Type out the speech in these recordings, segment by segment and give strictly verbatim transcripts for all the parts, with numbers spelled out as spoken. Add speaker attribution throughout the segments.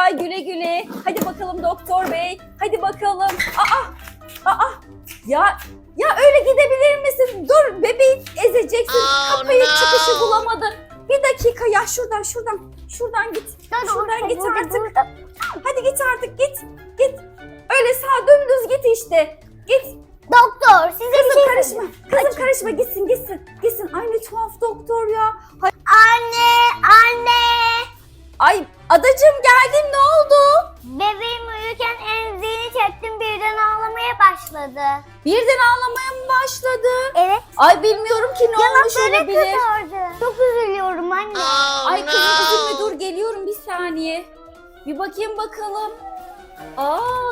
Speaker 1: bay güle güle. Hadi bakalım doktor bey. Hadi bakalım. Aa, aa. Ya ya öyle gidebilir misin? Dur bebeği ezeceksin.
Speaker 2: Oh,
Speaker 1: Kapıyı
Speaker 2: no.
Speaker 1: çıkışı bulamadın. Bir dakika ya şuradan şuradan. Şuradan git. Şuradan git artık. Hadi git artık git. Git. Öyle sağ dümdüz git işte. Git.
Speaker 3: Doktor size bir
Speaker 1: Kızım
Speaker 3: şey
Speaker 1: karışma.
Speaker 3: söyleyeyim.
Speaker 1: Kızım karışma. Gitsin gitsin. Gitsin. Ay ne tuhaf doktor ya. Hay-
Speaker 3: Anne, anne.
Speaker 1: Ay adacığım geldim ne oldu?
Speaker 3: Bebeğim uyurken emziğini çektim birden ağlamaya başladı.
Speaker 1: Birden ağlamaya mı başladı?
Speaker 3: Evet.
Speaker 1: Ay bilmiyorum ki ne olmuş
Speaker 3: Yanakları
Speaker 1: olabilir.
Speaker 3: kızardı. Çok üzülüyorum anne.
Speaker 2: Oh,
Speaker 1: Ay kızım
Speaker 2: no.
Speaker 1: üzülme dur geliyorum bir saniye. Bir bakayım bakalım. Aa.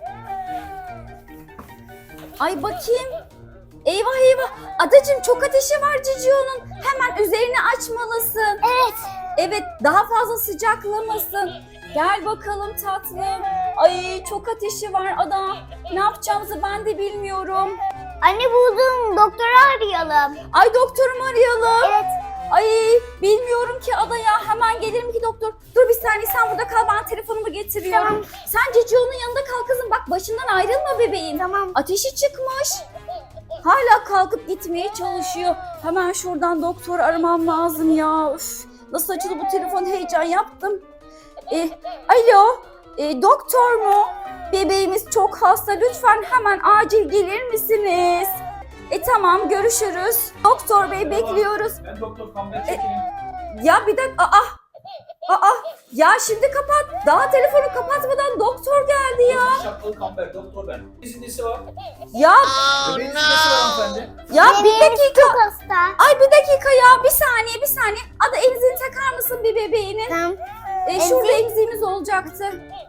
Speaker 1: Ay bakayım. Eyvah eyvah. Adacığım çok ateşi var Cicio'nun. Hemen üzerini açmalısın.
Speaker 3: Evet.
Speaker 1: Evet daha fazla sıcaklamasın. Gel bakalım tatlım. Ay çok ateşi var Ada. Ne yapacağımızı ben de bilmiyorum.
Speaker 3: Anne buldum. Doktoru arayalım.
Speaker 1: Ay doktorumu arayalım.
Speaker 3: Evet.
Speaker 1: Ay bilmiyorum ki Ada ya. Hemen gelirim ki doktor. Dur bir saniye sen burada kal ben telefonumu getiriyorum.
Speaker 3: Tamam.
Speaker 1: Sen Cicio'nun yanında kal kızım. Bak başından ayrılma bebeğim.
Speaker 3: Tamam.
Speaker 1: Ateşi çıkmış. Hala kalkıp gitmeye çalışıyor. Hemen şuradan doktor aramam lazım ya. Üf, nasıl açıldı bu telefon heyecan yaptım. E, alo e, doktor mu? Bebeğimiz çok hasta lütfen hemen acil gelir misiniz? E tamam görüşürüz. Doktor bey bekliyoruz.
Speaker 4: Ben doktor Kamber çekeyim.
Speaker 1: Ya bir dakika aa, aa ya şimdi kapat. Daha telefonu kapatmadan doktor geldi ya.
Speaker 4: Şapkalı Kamber doktor ben. İzinlisi var.
Speaker 1: Ya
Speaker 2: Oh,
Speaker 4: Bebeğin izinlisi var
Speaker 2: no.
Speaker 4: hanımefendi.
Speaker 1: ya bir
Speaker 3: Bebeğimiz
Speaker 1: dakika.
Speaker 3: çok hasta.
Speaker 1: Ay bir dakika ya bir saniye bir saniye. Ada emzini takar mısın bir bebeğinin?
Speaker 3: Tamam.
Speaker 1: E, şurada emziğimiz olacaktı.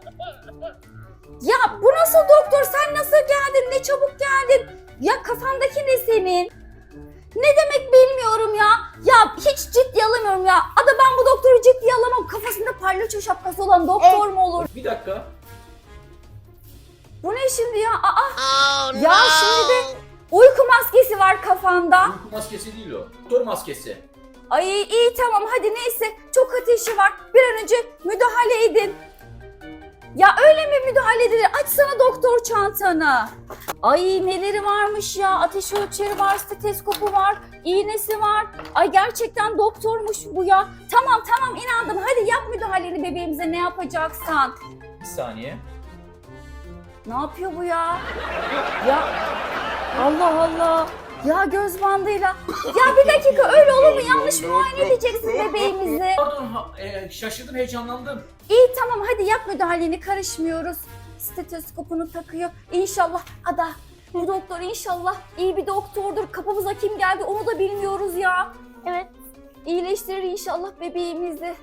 Speaker 1: Ya bu nasıl doktor? Sen nasıl geldin? Ne çabuk geldin? Ya kafandaki ne senin? Ne demek bilmiyorum ya. Ya hiç ciddiye alamıyorum ya. Ada ben bu doktoru ciddiye alamam. Kafasında palyaço şapkası olan doktor mu olur?
Speaker 4: Bir dakika.
Speaker 1: Bu ne şimdi ya? Aa,
Speaker 2: Oh,
Speaker 1: ya
Speaker 2: no.
Speaker 1: şimdi de uyku maskesi var kafanda.
Speaker 4: Uyku maskesi değil o. Doktor maskesi.
Speaker 1: Ay iyi tamam hadi neyse. Çok ateşi var. Bir an önce müdahale edin. Ya öyle mi müdahale edilir? Açsana doktor çantanı. Ay neleri varmış ya. Ateş ölçeri var, stetoskopu var, iğnesi var. Ay gerçekten doktormuş bu ya. Tamam tamam inandım. Hadi yap müdahaleni bebeğimize ne yapacaksan.
Speaker 4: Bir saniye.
Speaker 1: Ne yapıyor bu ya? Ya Allah Allah. Ya göz bandıyla. Ya bir dakika öyle olur mu? Yanlış muayene edeceksin bebeğimizi.
Speaker 4: Pardon ha, e, şaşırdım heyecanlandım.
Speaker 1: İyi tamam hadi yap müdahaleni karışmıyoruz. Stetoskopunu takıyor. İnşallah Ada bu doktor inşallah iyi bir doktordur. Kapımıza kim geldi onu da bilmiyoruz ya.
Speaker 3: Evet.
Speaker 1: İyileştirir inşallah bebeğimizi.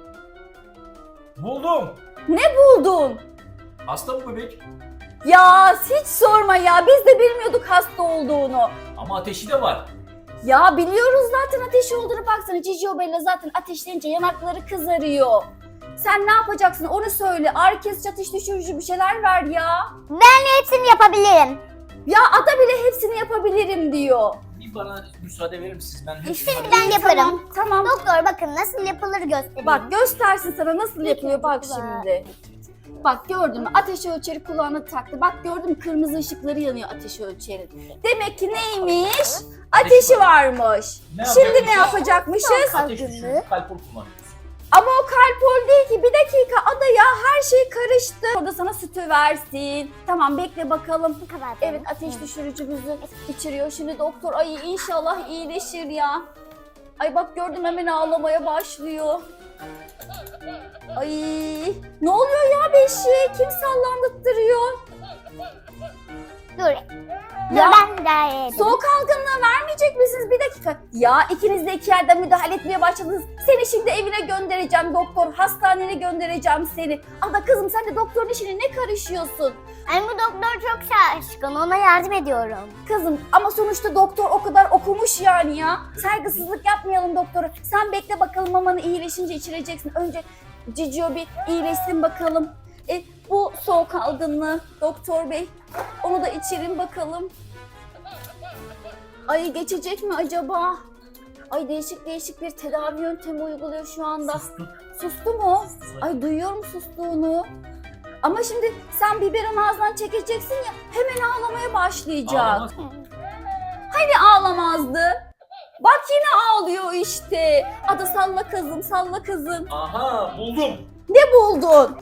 Speaker 4: Buldum.
Speaker 1: Ne buldun?
Speaker 4: Hasta bu bebek.
Speaker 1: Ya hiç sorma ya biz de bilmiyorduk hasta olduğunu.
Speaker 4: Ama ateşi de var.
Speaker 1: Ya biliyoruz zaten ateşi olduğunu baksana. Cicio Bella zaten ateşlenince yanakları kızarıyor. Sen ne yapacaksın onu söyle. Ağrı kesici ateş düşürücü bir şeyler ver ya.
Speaker 3: Ben hepsini yapabilirim.
Speaker 1: Ya Ada bile hepsini yapabilirim diyor.
Speaker 4: Bir bana müsaade verir misiniz? Ben hepsini
Speaker 3: İşte
Speaker 4: halledeyim.
Speaker 3: ben yaparım.
Speaker 1: Tamam, tamam.
Speaker 3: Doktor bakın nasıl yapılır göstereyim.
Speaker 1: Bak göstersin sana nasıl yapıyor bak
Speaker 3: güzel.
Speaker 1: şimdi. Bak gördün mü ateş ölçeri kulağına taktı. Bak gördün mü kırmızı ışıkları yanıyor ateş ölçerinin. Demek ki neymiş? Ateşi varmış.
Speaker 4: Ne
Speaker 1: Şimdi ne
Speaker 4: yapacakmışız?
Speaker 1: yapacakmışız?
Speaker 4: Ateş düşürücü kalpol kullanıyoruz.
Speaker 1: Ama o kalpol değil ki. Bir dakika Ada ya her şey karıştı. Orada sana sütü versin. Tamam bekle bakalım.
Speaker 3: Bu kadar.
Speaker 1: Evet ateş düşürücümüzü içiriyor. Şimdi doktor ay inşallah iyileşir ya. Ay bak gördüm hemen ağlamaya başlıyor. Ay ne oluyor ya beşiğe? Kim sallandırıyor?
Speaker 3: Dur. Dur
Speaker 1: Ya,
Speaker 3: ben idare edeyim.
Speaker 1: Soğuk algınlığı vermeyecek misiniz? Bir dakika. Ya ikiniz de iki yerden müdahale etmeye başladınız. Seni şimdi evine göndereceğim doktor. Hastanene göndereceğim seni. Ada kızım sen de doktorun işine ne karışıyorsun?
Speaker 3: Ay bu doktor çok şaşkın. Ona yardım ediyorum.
Speaker 1: Kızım ama sonuçta doktor o kadar okumuş yani ya. Saygısızlık yapmayalım doktora. Sen bekle bakalım mamanı iyileşince içireceksin. Önce Cicio bir iyileşsin bakalım. E, bu soğuk algınlığı doktor bey. Onu da içirin bakalım. Ay geçecek mi acaba? Ay değişik değişik bir tedavi yöntemi uyguluyor şu anda.
Speaker 4: Sustu.
Speaker 1: Sustu mu?
Speaker 4: Sustu.
Speaker 1: Ay duyuyorum sustuğunu. Ama şimdi sen biberon ağzından çekeceksin ya hemen ağlamaya başlayacak.
Speaker 4: Ağlamaz.
Speaker 1: Hani ağlamazdı? Bak yine ağlıyor işte. Ada salla kızım, salla kızım.
Speaker 4: Aha buldum.
Speaker 1: Ne buldun?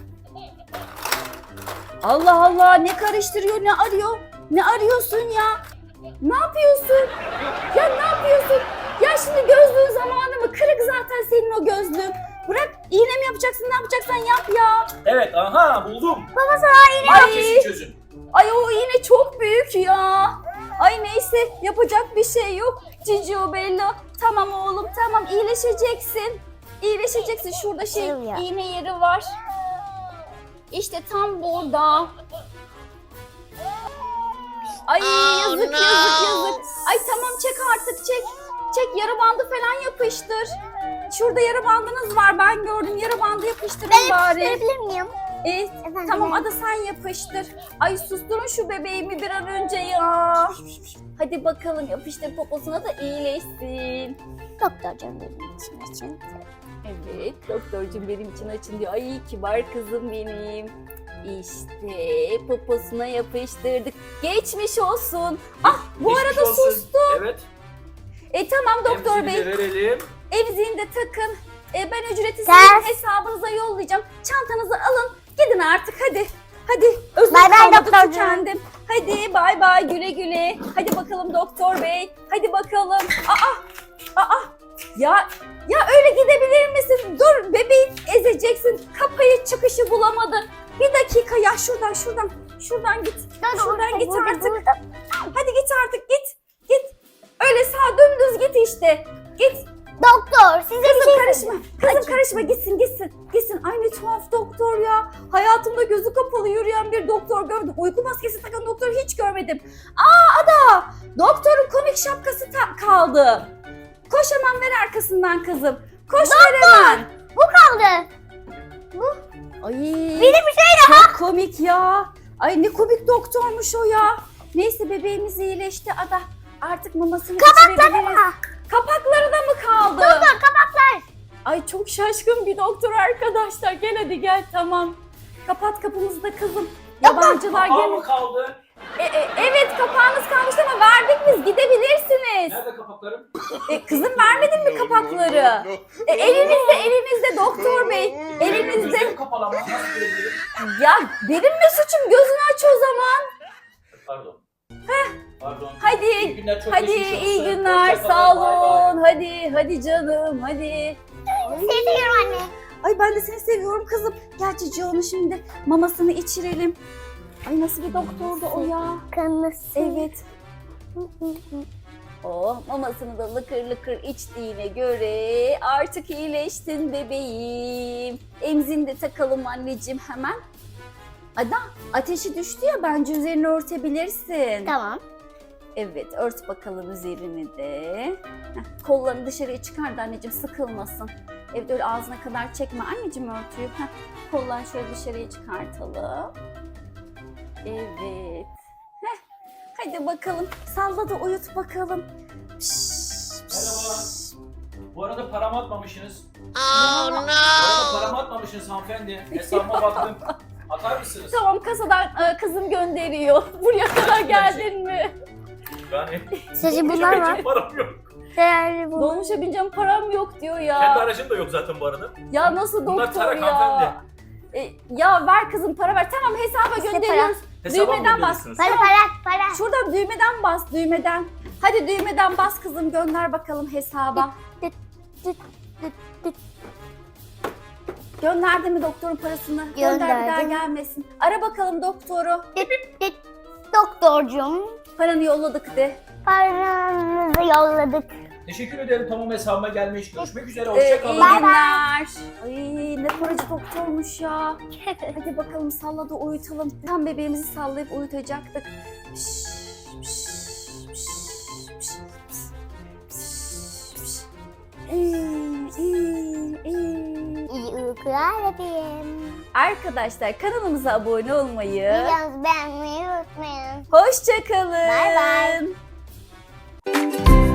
Speaker 1: Allah Allah, ne karıştırıyor, ne arıyor? Ne arıyorsun ya? Ne yapıyorsun? Ya ne yapıyorsun? Ya şimdi gözlüğün zamanı mı? Kırık zaten senin o gözlüğün. Bırak, iğne mi yapacaksın, ne yapacaksan yap ya.
Speaker 4: Evet aha buldum.
Speaker 3: Baba sana iğne.
Speaker 1: Ay,
Speaker 4: Kesin çözün.
Speaker 1: ay o iğne çok büyük ya. Ay neyse, yapacak bir şey yok. Cicio Bello, tamam oğlum tamam, iyileşeceksin. İyileşeceksin, şurada şey
Speaker 3: Yok ya.
Speaker 1: iğne yeri var. İşte tam burada. Ay yazık yazık yazık. Ay tamam, çek artık, çek. Çek, yara bandı falan yapıştır. Şurada yara bandınız var, ben gördüm. Yara bandı yapıştırın bari.
Speaker 3: Yapıştırabilir miyim?
Speaker 1: E,
Speaker 3: Efendim?
Speaker 1: tamam Ada, sen yapıştır. Ay susturun şu bebeğimi bir an önce ya. Hadi bakalım, yapıştır poposuna da iyileşsin.
Speaker 3: Doktorcum benim için için.
Speaker 1: Evet, doktorcum benim için açın diyor. Ay kibar kızım benim. İşte poposuna yapıştırdık. Geçmiş olsun. Ah bu
Speaker 4: Geçmiş
Speaker 1: arada
Speaker 4: olsun.
Speaker 1: sustu.
Speaker 4: Evet.
Speaker 1: E tamam doktor
Speaker 4: Emziğini
Speaker 1: bey.
Speaker 4: de verelim.
Speaker 1: Emziğini de takın. E, ben ücreti
Speaker 3: Ters.
Speaker 1: sizin hesabınıza yollayacağım. Çantanızı alın. Gidin artık hadi. Hadi. Özür
Speaker 3: Bay bay
Speaker 1: kalmadı,
Speaker 3: doktorcuğum.
Speaker 1: tükendim. Hadi bay bay, güle güle. Hadi bakalım doktor bey. Hadi bakalım. Aa. Aa. Ya ya öyle gidebilir misin? Dur, bebeği ezeceksin. Kapıyı, çıkışı bulamadı. Bir dakika ya, şuradan şuradan. Şuradan git. Şuradan git
Speaker 3: Burada,
Speaker 1: artık.
Speaker 3: burada.
Speaker 1: Hadi git artık, git. Git. Öyle sağ dümdüz git işte. Git.
Speaker 3: Doktor size bir
Speaker 1: Kızım
Speaker 3: şey
Speaker 1: karışma.
Speaker 3: söyleyeceğim.
Speaker 1: Kızım karışma, gitsin gitsin. Gitsin. Ay ne tuhaf doktor ya. Hayatımda gözü kapalı yürüyen bir doktor gördüm. Uyku maskesi takan doktor hiç görmedim. Aa Ada. Doktorun komik şapkası ta- kaldı. Koş hemen, ver arkasından kızım. Koş ver hemen.
Speaker 3: Bu kaldı.
Speaker 1: Ay.
Speaker 3: Bir de bir şey daha.
Speaker 1: Çok komik ya. Ay ne komik doktormuş o ya. Neyse bebeğimiz iyileşti Ada. Artık mamasını içirebiliriz.
Speaker 3: Ah,
Speaker 1: Kapakları da mı kaldı?
Speaker 3: Doktor kapaklar.
Speaker 1: Ay çok şaşkın bir doktor arkadaşlar. Gel hadi gel, tamam. Kapat kapımızı da kızım. Yabancılar
Speaker 4: Kapağı
Speaker 1: gel.
Speaker 4: mı kaldı?
Speaker 1: E, e, evet kapağınız kalmıştı ama verdik biz, gidebilirsiniz.
Speaker 4: Nerede kapaklarım?
Speaker 1: E, kızım vermedin mi kapakları? E, elinizde elinizde doktor bey. Elinizde.
Speaker 4: Gözlerim kapalı ama nasıl görebilirim?
Speaker 1: Ya benim mi suçum? Gözünü aç o zaman.
Speaker 4: Pardon. Pardon.
Speaker 1: Hadi.
Speaker 4: İyi günler, çok
Speaker 1: Hadi
Speaker 4: geçmiş
Speaker 1: iyi
Speaker 4: olsun.
Speaker 1: günler,
Speaker 4: Hoşça
Speaker 1: sağ
Speaker 4: kalın, bay bay.
Speaker 1: olun. Hadi hadi canım hadi.
Speaker 3: Seviyorum anne.
Speaker 1: Ay ben de seni seviyorum kızım. Gel Cici, onu şimdi mamasını içirelim. Ay nasıl bir doktordu o ya.
Speaker 3: Kanısı.
Speaker 1: Evet. Oh, mamasını da lıkır lıkır içtiğine göre artık iyileştin bebeğim. Emzini de takalım anneciğim hemen. Ada, ateşi düştü ya, bence üzerini örtebilirsin.
Speaker 3: Tamam.
Speaker 1: Evet, ört bakalım üzerini de. Heh, kollarını dışarıya çıkar da anneciğim, sıkılmasın. Evet, öyle ağzına kadar çekme anneciğim örtüyü. Heh, kollarını şöyle dışarıya çıkartalım. Evet. Heh, hadi bakalım, salla da uyut bakalım. Piş, piş.
Speaker 4: Merhaba. Bu arada paramı atmamışsınız.
Speaker 1: Oh,
Speaker 4: Bu arada paramı atmamışsınız hanımefendi. Hesabıma baktım. Atar mısınız?
Speaker 1: Tamam, kasadan e, kızım gönderiyor. Buraya kadar geldin mi?
Speaker 4: Yani
Speaker 3: Sadece bunlar var.
Speaker 4: hiç param yok.
Speaker 3: Değerli bu.
Speaker 1: Dolmuşa bineceğim, param yok diyor ya.
Speaker 4: Kendi aracım da yok zaten bu arada.
Speaker 1: Ya nasıl
Speaker 4: Bunlar
Speaker 1: doktor
Speaker 4: tarak
Speaker 1: ya?
Speaker 4: hanımefendi.
Speaker 1: E, ya ver kızım, para ver. Tamam, hesaba
Speaker 3: İşte
Speaker 1: gönderiyoruz.
Speaker 4: Hesaba mı
Speaker 1: Düğmeden bas.
Speaker 4: gönderiyorsunuz?
Speaker 3: Para para para.
Speaker 1: Şuradan düğmeden bas, düğmeden. Hadi düğmeden bas kızım, gönder bakalım hesaba.
Speaker 3: Dıt, dıt, dıt, dıt.
Speaker 1: Gönderdi mi doktorun parasını? Gönder, bir daha
Speaker 3: Gönderdim.
Speaker 1: gelmesin. Ara bakalım doktoru.
Speaker 3: Dıt, dıt. Doktorcum,
Speaker 1: Paranı yolladık de.
Speaker 3: paranızı yolladık.
Speaker 4: Teşekkür ederim, tamam hesabıma gelmiş. Görüşmek üzere,
Speaker 1: Ee,
Speaker 4: hoşçakalın.
Speaker 1: iyi
Speaker 3: Bay bay.
Speaker 1: günler. Ay ne paracı doktormuş ya. Hadi bakalım, salla da uyutalım. Tam bebeğimizi sallayıp uyutacaktık. Piş, piş, piş, piş, piş, piş, piş. İyi, iyi, iyi.
Speaker 3: İyi uykular bebeğim.
Speaker 1: Arkadaşlar kanalımıza abone olmayı,
Speaker 3: Videomuzu beğenmeyi unutmayın.
Speaker 1: hoşça kalın.
Speaker 3: Bay bay.